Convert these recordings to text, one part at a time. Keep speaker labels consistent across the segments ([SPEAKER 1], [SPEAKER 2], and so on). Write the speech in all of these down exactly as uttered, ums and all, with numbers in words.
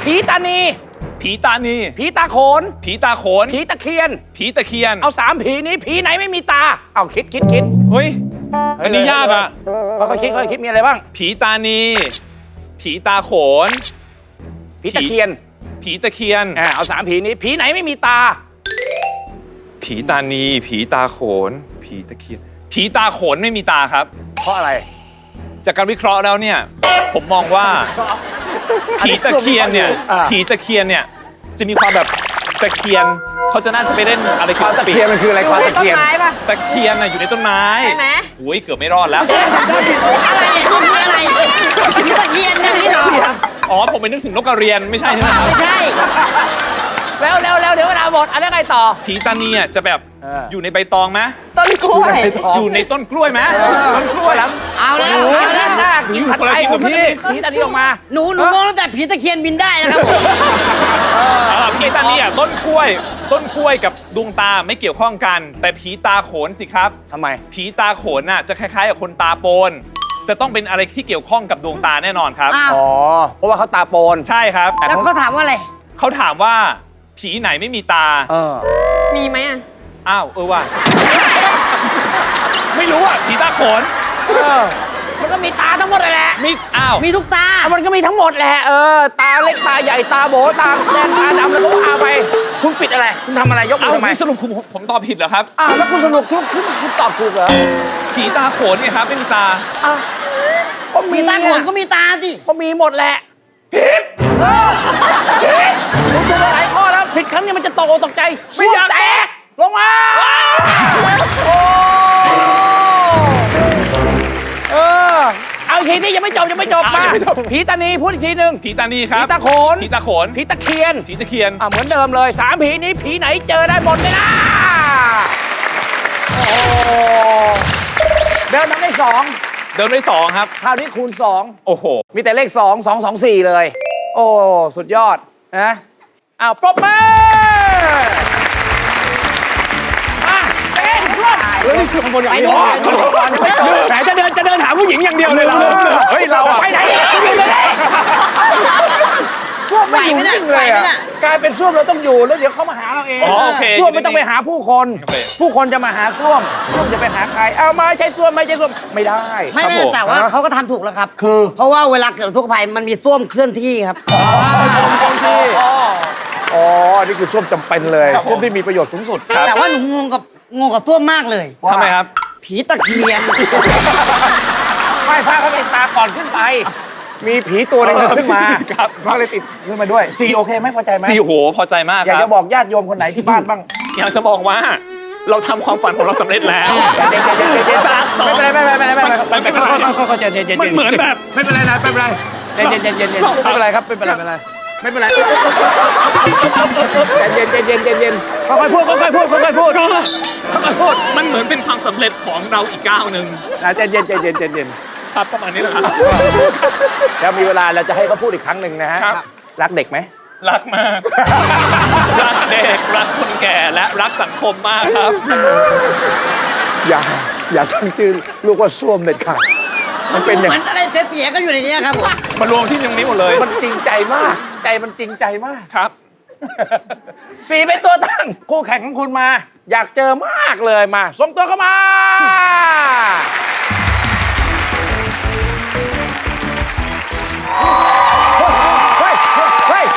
[SPEAKER 1] ผีตานี
[SPEAKER 2] ผีตานี
[SPEAKER 1] ผีตาโขน
[SPEAKER 2] ผีตาโขน
[SPEAKER 1] ผีตะเคียน
[SPEAKER 2] ผีตะเคียน
[SPEAKER 1] เอาสามผีนี้ผีไหนไม่มีตาเอาคิดคิดคิด
[SPEAKER 2] เฮ้ยอันนี้ยากอ่ะ
[SPEAKER 1] ค่อยๆคิดค่อยๆคิดมีอะไรบ้าง
[SPEAKER 2] ผีตานีผีตาโขน
[SPEAKER 1] ผีตะเคียน
[SPEAKER 2] ผีตะเคียน
[SPEAKER 1] อ่าเอาสามผีนี้ผีไหนไม่มีตา
[SPEAKER 2] ผีตานีผีตาโขนผีตะเคียนผีตาโขนไม่มีตาครับ
[SPEAKER 1] เพราะอะไร
[SPEAKER 2] จากการวิเคราะห์แล้วเนี่ยผมมองว่าผีตะเคียนเนี่ยผีตะเคียนเนี่ยจะมีความแบบตะเคียนเขาจะน่าจะไปเล่นอะไร
[SPEAKER 1] ควานตะเคียนมันคืออะไรควานตะเคียน
[SPEAKER 2] ตะเคียนน่ะอยู่ในต้นไม้
[SPEAKER 3] ใช่ไหม
[SPEAKER 2] โอ้ยเกือบไม่รอดแล้ว
[SPEAKER 3] อะไรคืออะไรผีตะเคียนนี่เหรอ
[SPEAKER 2] อ๋อผมไปนึกถึงนกกระเรียนไม่ใช่ใช่ไหม
[SPEAKER 3] ไม่ใช่
[SPEAKER 1] แล้วแล้วแล้วเดี๋ยวเวลาหมดอะไรไงต่อ
[SPEAKER 2] ผีตานีอ่ะจะแบบอยู่ในใบตองไหม
[SPEAKER 3] ต้นกล้วย
[SPEAKER 2] อยู่ในต้นกล้วยไหม
[SPEAKER 1] ต้นกล้วย
[SPEAKER 3] เอาแล้ว
[SPEAKER 1] เอาแล้วหน้ากินผัดไทยกับพี่ผีตานีออกมา
[SPEAKER 3] หนูหนูมองตั้งแต่ผีตะเคียนบินได้นะครับผม
[SPEAKER 2] ผีตานีอ่ะต้นกล้วยต้นกล้วยกับดวงตาไม่เกี่ยวข้องกันแต่ผีตาโขนสิครับ
[SPEAKER 1] ทำไม
[SPEAKER 2] ผีตาโขนน่ะจะคล้ายๆกับคนตาโปนจะต้องเป็นอะไรที่เกี่ยวข้องกับดวงตาแน่นอนครับ
[SPEAKER 1] อ๋อเพราะว่าเขาตาโปน
[SPEAKER 2] ใช่ครับ
[SPEAKER 3] แล้วเขาถามว่าอะไร
[SPEAKER 2] เขาถามว่าผีไหนไม่มีตา
[SPEAKER 1] เออ
[SPEAKER 3] มีไหมอ่ะ
[SPEAKER 2] อ้าวเออว่ะไม่รู้อ่ะผีตาโขน
[SPEAKER 1] เออมันก็มีตาทั้งหมดเลยแหละ
[SPEAKER 2] มีอ้าว
[SPEAKER 3] มีทุกตา
[SPEAKER 1] มันก็มีทั้งหมดแหละเออตาเล็กตาใหญ่ตาโบตาแดงตาดำแล้วก็ว่าไปคุณปิดอะไรคุณทำอะไรยกมือทำไม
[SPEAKER 2] สรุปคุณผมตอบผิดเหรอครับ
[SPEAKER 1] อ้าวแล้วคุณสรุปคุณคุณคุณตอบถูกเหรอ
[SPEAKER 2] ผีตาโขนเนี่ยครับไม่มีตา
[SPEAKER 1] อ้าว
[SPEAKER 3] มีตาโขนก็มีตาสิ
[SPEAKER 1] ก็มีหมดแหละ
[SPEAKER 2] ผิด
[SPEAKER 1] ผิดคุณถูกหลายข้อแล้วผิดครั้งนี้มันจะตกตกใจ
[SPEAKER 2] ไม่อยาก
[SPEAKER 1] แตกลงมาโอ้เออเอาอีกทีนี่ยังไม่จบยังไม่จบมาผีตานีพูดอีกทีหนึ่ง
[SPEAKER 2] ผีตานีครับ
[SPEAKER 1] ผีตาโขน
[SPEAKER 2] ผีตาโขน
[SPEAKER 1] ผีตะเคียน
[SPEAKER 2] ผีตะเคียน
[SPEAKER 1] อ่ะเหมือนเดิมเลยสามผีนี้ผีไหนเจอได้หมดเลยนะโอ้เดินทำได้สอง
[SPEAKER 2] เดินได้สองครับ
[SPEAKER 1] คราวนี้คูณสอง
[SPEAKER 2] โอ้โห
[SPEAKER 1] มีแต่เลขสองสองสองสี่เลยโอ้สุดยอดนะอ้าวปรบมือมาเต้นช่วยเฮ้ยคือคนอย่างนี้ไหนจะเดินจะเดินหาผู้หญิงอย่างเดียวเลยเรา
[SPEAKER 2] เฮ้ยเรา
[SPEAKER 1] ไปไหนส้วมไม่อยู่นิ่งเลยอ่ะกลายเป็นส้วมเราต้องอยู่แล้วเดี๋ยวเขามาหาเราเองส้วมไม่ต้องไปหาผู้คนผู้คนจะมาหาส้วมส้วมจะไปหาใครเอามาใช้ส้วมไม่ใช้ส้วมไม่ได้
[SPEAKER 3] ไม่ไม่แต่ว่าเขาก็ทำถูกแล้วครับ
[SPEAKER 1] คือ
[SPEAKER 3] เพราะว่าเวลาเกิดอุทกภัยมันมีส้วมเคลื่อนที่ครับ
[SPEAKER 1] อ๋อเคลื่อนที่อ๋อนี่คือส้วมจำเป็นเลยส้วมที่มีประโยชน์สูงสุด
[SPEAKER 3] แต่ว่าหนูงงกับงงกับส้วมมากเลย
[SPEAKER 2] ทำไมครับ
[SPEAKER 3] ผีตะเคียน
[SPEAKER 1] ไม่ฟ้าเขาติดตาก่อนขึ้นไปมีผีตัวนึงขึ้นมา
[SPEAKER 2] ครับ
[SPEAKER 1] เขาเลยติดขึ้นมาด้วยซีโอเคไหมพอใจไหม
[SPEAKER 2] ซีโหพอใจมาก
[SPEAKER 1] อยากจะบอกญาติโยมคนไหนที่บ้านบ้าง
[SPEAKER 2] อยากจะบอกว่าเราทำความฝันของเราสำเร็จแล้ว
[SPEAKER 1] ไม่เป็นไรไม่เป็นไรไม่เป็นไรไม่เป็นไรเขาใจเย็น
[SPEAKER 2] มันเหมือนแบบ
[SPEAKER 1] ไม่เป็นไรนะไม่เป็นไรเย็นเย็นเย็นเย็นไม่เป็นไรครับไม่เป็นไรไม่เป็นไรไม่เป็นไรเย็นเย็นเย็นเย็นเย็นค่อยๆพูดค่อยๆพูดค่อยๆพูดค่อยๆพูด
[SPEAKER 2] มันเหมือนเป็นความสำเร็จของเราอีกก้าวหนึ่ง
[SPEAKER 1] นะเย็นเย็นเย็นเย็นเย็นเย็น
[SPEAKER 2] ครับประมาณนี้แหละครับ
[SPEAKER 1] แล้วมีเวลาเราจะให้เขาพูดอีกครั้งหนึ่งนะฮะรักเด็กไหม
[SPEAKER 2] รักมากรักเด็กรักคนแก่และรักสังคมมากครับ
[SPEAKER 1] อย่าอย่าตั้งชื่อลูกว่าส้วมเด็ดขาด
[SPEAKER 3] มันเป็นเหมือนอะไรเสียๆก็อยู่ในนี้ครับ
[SPEAKER 2] มารวมที่ตรงนี้หมดเลย
[SPEAKER 1] มันจริงใจมากใจมันจริงใจมาก
[SPEAKER 2] ครับ
[SPEAKER 1] สี่เป็นตัวตั้งคู่แข่งของคุณมาอยากเจอมากเลยมาส่งตัวเข้ามาเฮ้ยเฮ้ย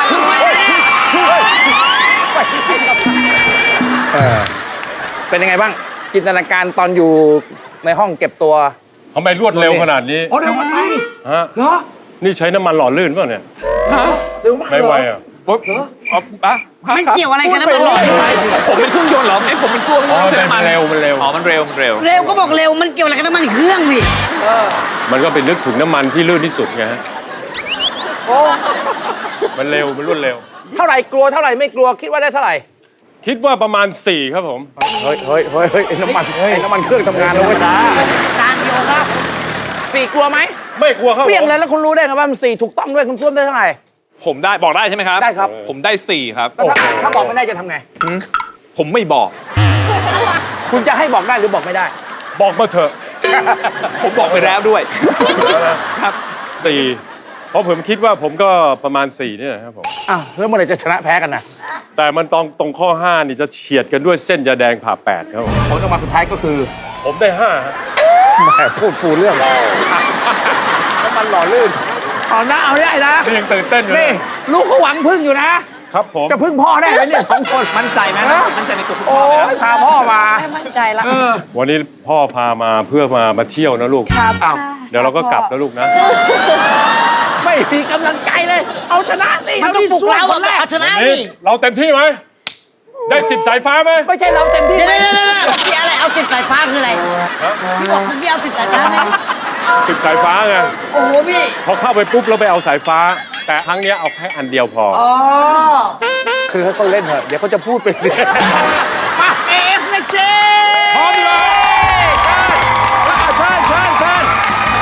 [SPEAKER 1] เป็นยังไงบ้างจินตนาการตอนอยู่ในห้องเก็บตัว
[SPEAKER 4] ทำไมรวดเร็วขนาดนี้
[SPEAKER 1] อ๋อเร็วไป
[SPEAKER 4] ฮะ
[SPEAKER 1] เหรอ
[SPEAKER 4] นี่ใช้น้ำมันหล่อลื่นป่ะเนี่ย
[SPEAKER 1] ฮะเร็วมาก
[SPEAKER 4] ไม่ไวอ่ะ
[SPEAKER 2] ปุ๊บเหรออ๋อปะ
[SPEAKER 3] ไม่เกี่ยวอะไรกันน้ำมันหล่อ
[SPEAKER 2] ผมเป็นเครื่องยนต์เหรอไอ้ผมเป็นส้วม
[SPEAKER 4] อ๋อมันเร็วมันเร็ว
[SPEAKER 2] อ๋อมันเร็วมันเร็ว
[SPEAKER 3] เร็วก็บอกเร็วมันเกี่ยวอะไรกับน้ำมันเครื่องพี่
[SPEAKER 4] มันก็เป็นนึกถึงน้ำมันที่ลื่นที่สุดไงฮะ
[SPEAKER 1] โอ้
[SPEAKER 4] มันเร็วมันรวดเร็ว
[SPEAKER 1] เท่าไหร่กลัวเท่าไหร่ไม่กลัวคิดว่าได้เท่าไหร่
[SPEAKER 4] คิดว่าประมาณสี่ครับผม
[SPEAKER 1] เฮ้ยเฮ้ยเฮ้ยเฮ้ยน้ำมันเฮ้ยน้ำมันเครื่องทำงานแล้วเว้ยจ้า
[SPEAKER 3] การโยนครับ
[SPEAKER 1] สี่กลัวไหม
[SPEAKER 4] ไม่กลัวครับ
[SPEAKER 1] เปลี่ยนเลยแล้วคุณรู้ได้ไงว่ามันสี่ถูกต้องด้วยคุณส้วมได้เท่าไหร่
[SPEAKER 2] ผมได้บอกได้ใช่ไหมครับ
[SPEAKER 1] ได้ครับ
[SPEAKER 2] ผมได้สี่ครับ
[SPEAKER 1] ถ้าบอกไม่ได้จะทำไง
[SPEAKER 2] ผมไม่บอก
[SPEAKER 1] คุณจะให้บอกได้หรือบอกไม่ได้
[SPEAKER 4] บอกมาเถอะ
[SPEAKER 2] ผมบอกไปแล้วด้วยครับ
[SPEAKER 4] สี่เพราะผมคิดว่าผมก็ประมาณสี่เนี่ยนะครับผม
[SPEAKER 1] อ้าวแล้วเมื่อไหร่จะชนะแพ้กันนะ
[SPEAKER 4] แต่มันตรงตรงข้อห้านี่จะเฉียดกันด้วยเส้นยาแดงผ่าแปดครับผม
[SPEAKER 1] ผลออกมาสุดท้ายก็คือ
[SPEAKER 4] ผมได้ห้าฮะ
[SPEAKER 1] แหมพูดปูเรื่องแล้วมันหล่อลื่นเอานะเอาได้นะ
[SPEAKER 4] นี่ยังตื่นเต้นอยู่
[SPEAKER 1] นี่
[SPEAKER 4] นะ
[SPEAKER 1] ลูกเขาหวังพึ่งอยู่นะ
[SPEAKER 4] ครับผม
[SPEAKER 1] จะพึ่งพ่อได้ไหมเนี่ยสองคน
[SPEAKER 2] มั่นใจไหมมั่นใจในตัวคุณ
[SPEAKER 1] โอ้
[SPEAKER 2] พ่อไหม
[SPEAKER 1] ยพาพ่อมา
[SPEAKER 3] ไม่มั่นใจละ
[SPEAKER 4] วันนี้พ่อพามาเพื่อมามาเที่ยวนะลูก
[SPEAKER 3] ครับ
[SPEAKER 1] อ้าว
[SPEAKER 4] เดี๋ยวเราก็กลับนะลูกนะ
[SPEAKER 1] ไม่มีกำลังใจเลย เอาชนะสิ
[SPEAKER 3] มันต้องปลุกเรา
[SPEAKER 1] คนแรก
[SPEAKER 3] เอาชนะ
[SPEAKER 4] วัน
[SPEAKER 3] ดิ
[SPEAKER 4] นี้เราเต็มที่ไหม ได้สิบสายฟ้าไหม
[SPEAKER 1] ไม่ใช่เราเต็มที่
[SPEAKER 3] เดี๋ยว
[SPEAKER 1] ไหม
[SPEAKER 3] เดี๋ยวเดี๋ยวพี่อะไรเอาติดสายฟ้าคืออะไรพี่บอกพี่เอาติดสายฟ้าไหม
[SPEAKER 4] สิบสายฟ้าไง
[SPEAKER 3] โอ้โหพี่
[SPEAKER 4] พอเข้าไปปุ๊บเราไปเอาสายฟ้า แต่ครั้งเนี้ยเอาแค่อันเดียวพอ
[SPEAKER 3] อ๋อ
[SPEAKER 1] คือให้เขาเล่นเถอะเดี๋ยวเขาจะพูดไปเรื่อยมาเอฟนะเจ
[SPEAKER 4] พร้อมเลย
[SPEAKER 1] เชิญเชิญเชิญ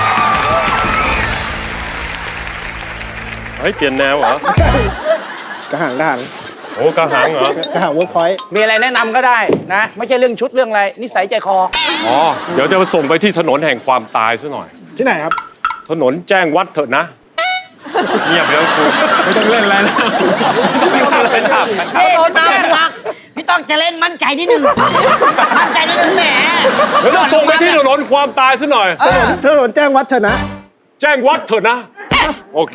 [SPEAKER 4] เฮ้ยเปลี่ยนแนวเหรอ
[SPEAKER 5] กระหังกระหัง
[SPEAKER 4] โอ้กระหังเหรอ
[SPEAKER 5] กระหังเวิร์กพอยต์
[SPEAKER 1] มีอะไรแนะนำก็ได้นะ ไม่ใช่เรื่องชุดเรื่องอะไร นิสัยใจคอ
[SPEAKER 4] อ๋อ เดี๋ยวจะมาส่งไปที่ถนนแห่งความตายซะหน่อย
[SPEAKER 5] ที่ไหนครับ
[SPEAKER 4] ถนนแจ้งวัดเถอะนะ เงียบแล้วครูไม่ต้องเล่นอะไรแล้ว
[SPEAKER 2] เป็นขับเป็นขับ
[SPEAKER 3] พี่พี่ต้องวักพี่ต้องจะเล่นมั่นใจนิดนึงมั่นใจนิดนึงแหม
[SPEAKER 4] เดี๋ยวจะส่งไปที่ถนนความตายซะหน่อย
[SPEAKER 3] เออ
[SPEAKER 5] ถนนแจ้งวัดเถอะนะ
[SPEAKER 4] แจ้งวัดเถอะนะ โอเค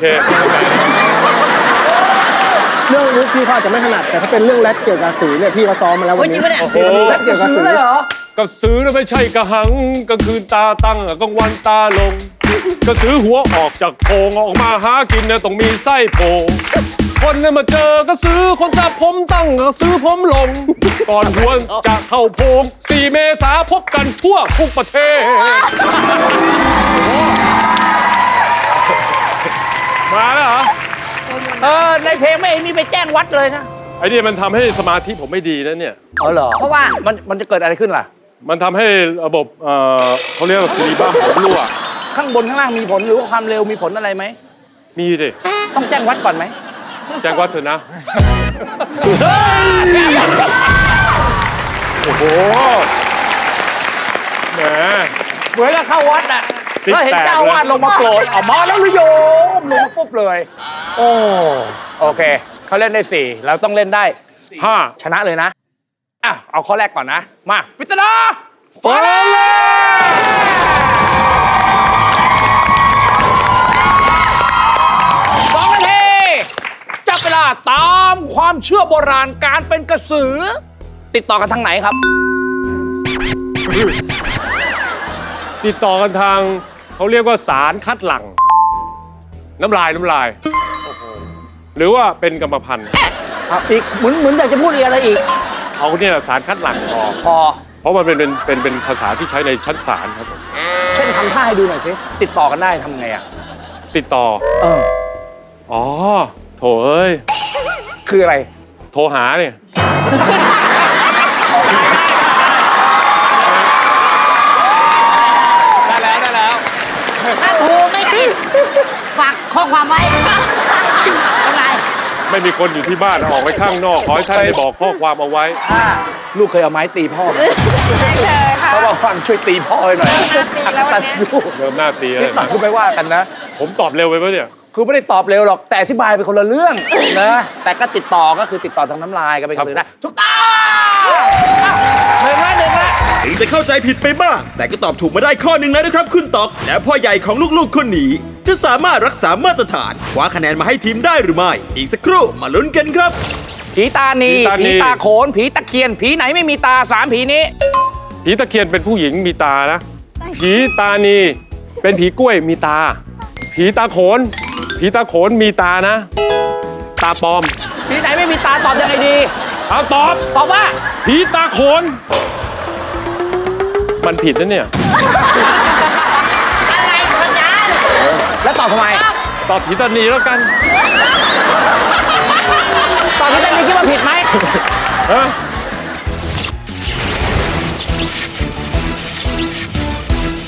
[SPEAKER 5] เรื่องนี้พี่เขาอาจจะไม่ถนัด แต่ถ้าเป็นเรื่องแรปเกี่ยวกับสีเนี่ยพี่เขาซ้อมมาแล้ววันนี้
[SPEAKER 3] โอ้ยจริงปะเนี่ย
[SPEAKER 4] โอ้โห
[SPEAKER 5] แรปเกี่ยวกับสี
[SPEAKER 4] กระสือน่ะไม่ใช่กระหังกลางคืนตาตั้งกลางวันตาลง กระสือหัวออกจากโพรงออกมาหากินเนี่ยต้องมีไส้โพรงคนเนี่ยมาเจอกระสือคนจับผมตั้งกระสือผมลง ก่อนหัวจะเข้าโพรงสี่เมษาพบกันทั่วทุกประเทศ มาแล้วเหรอ
[SPEAKER 1] เออ ในเพลงไม่เห็นมีไปแจ้งวัดเลยนะ
[SPEAKER 4] ไอ้นี่มันทำให้สมาธิผมไม่ดีนะเนี่ย
[SPEAKER 1] อ๋อเหรอ
[SPEAKER 3] เพราะว่า
[SPEAKER 1] มันมันจะเกิดอะไรขึ้นล่ะ
[SPEAKER 4] มันทำให้ระบบเอ่อเขาเรียกว่าซีรีบ้าผมรั่ว
[SPEAKER 1] ข้างบนข้างล่างมีผลหรือว่าความเร็วมีผลอะไรไหม
[SPEAKER 4] มีดิ
[SPEAKER 1] ต้องแจ้งวัดก่อนไหม
[SPEAKER 4] แจ้งวัดเถอะนะ โอ้โห แหม
[SPEAKER 1] เหมือนกับเข้าวัดอ่ะ
[SPEAKER 4] ซิก
[SPEAKER 1] แล้วเห็น
[SPEAKER 4] แตก
[SPEAKER 1] เจ้าอาวาดลงมาโปรดออกมาแล้วหรือโยมลงมาปุ๊บเลย โอ้โอเคเขาเล่นได้สี่เราต้องเล่นได้สี่
[SPEAKER 4] ห้า
[SPEAKER 1] ชนะเลยนะอ่ะเอาข้อแรกก่อนนะ มาพิจารณาฟังเลยสองนาทีจับเวลาตามความเชื่อโบราณการเป็นกระสือ ติดต่อกันทางไหนครับ
[SPEAKER 4] ติดต่อกันทางเขาเรียกว่าสารคัดหลั่ง น้ำลายน้ำลาย หรือว่าเป็นกรรมพันธุ์
[SPEAKER 1] ครับอีกเหมือนเหมือนอยากจะพูดอีกอะไรอีก
[SPEAKER 4] เอาเนี่ยสารคัดหลั่งพอ
[SPEAKER 1] พอ
[SPEAKER 4] เพราะมันเป็นเป็นเป็นเป็นภาษาที่ใช้ในชั้นศาลครับผม
[SPEAKER 1] เช่นทำท่าให้ดูหน่อยสิ ติดต่อกันได้ทำไงอ่ะ
[SPEAKER 4] ติดต่อ
[SPEAKER 1] เออ
[SPEAKER 4] อ๋อ โถเอ้ย
[SPEAKER 1] คืออะไร
[SPEAKER 4] โทรหาเนี่ย
[SPEAKER 2] ได้แล้วได้แล้ว
[SPEAKER 3] ถ้าโทรไม่ติดฝากข้อความไว้เป็นไร
[SPEAKER 4] ไม่มีคนอยู่ที่บ้านออกไปข้างนอก ขอให้ท่านได้บอกข้อความเอาไว้
[SPEAKER 1] ลูกเคยเอาไม้ตีพ่อไหม
[SPEAKER 3] ไม่เคยค่ะ
[SPEAKER 1] เขาบอกฟังช่วยตีพ่อให้หน่อย
[SPEAKER 3] ตีแล้ววันเนี้ย
[SPEAKER 1] ลูก
[SPEAKER 4] เริ่มหน้าตีเล
[SPEAKER 1] นิด
[SPEAKER 4] ย
[SPEAKER 1] หน่อยก็ไม่ว่ากันนะ
[SPEAKER 4] ผมตอบเร็วไปปะเนี่ย
[SPEAKER 1] คือไม่ได้ตอบเร็วหรอก แต่อธิบายเป็นคนละเรื่องนะ แต่ก็ติดต่อก็คือติดต่อทางน้ำลายก็เป็นกระสือได้ถูกต้องหนึ่งละหนึ่งละ
[SPEAKER 6] ถึงจะเข้าใจผิดไปบ้าง แต่ก็ตอบถูกมาได้ข้อหนึ่งแล้วนะครับคุณตอกและพ่อใหญ่ของลูกๆคนนี้ จะสามารถรักษามาตรฐานคว้าคะแนนมาให้ทีมได้หรือไม่ อีกสักครู่มาลุ้นกันครับ
[SPEAKER 1] ผีตานี
[SPEAKER 4] ผีตานี
[SPEAKER 1] ผีตาโขน ผีตะเคียน ผีไหนไม่มีตาสามผีนี้
[SPEAKER 4] ผีตะเคียนเป็นผู้หญิงมีตานะ ผีตานีเป็นผีกล้วยมีตา ผีตาโขน ผีตาโขนมีตานะ ตาปลอม
[SPEAKER 1] ผีไหนไม่มีตาตอบยังไงดี
[SPEAKER 4] เอาตอบ
[SPEAKER 1] ตอบว่า
[SPEAKER 4] ผีตาโขน มันผิดนะเนี่ย
[SPEAKER 3] อะไรของอาจารย์
[SPEAKER 1] แล้วตอบทำไม
[SPEAKER 4] ตอบผีตานีแล้วกัน
[SPEAKER 1] ตอบผีตานีคิดว่าผิดไหม
[SPEAKER 4] ฮะ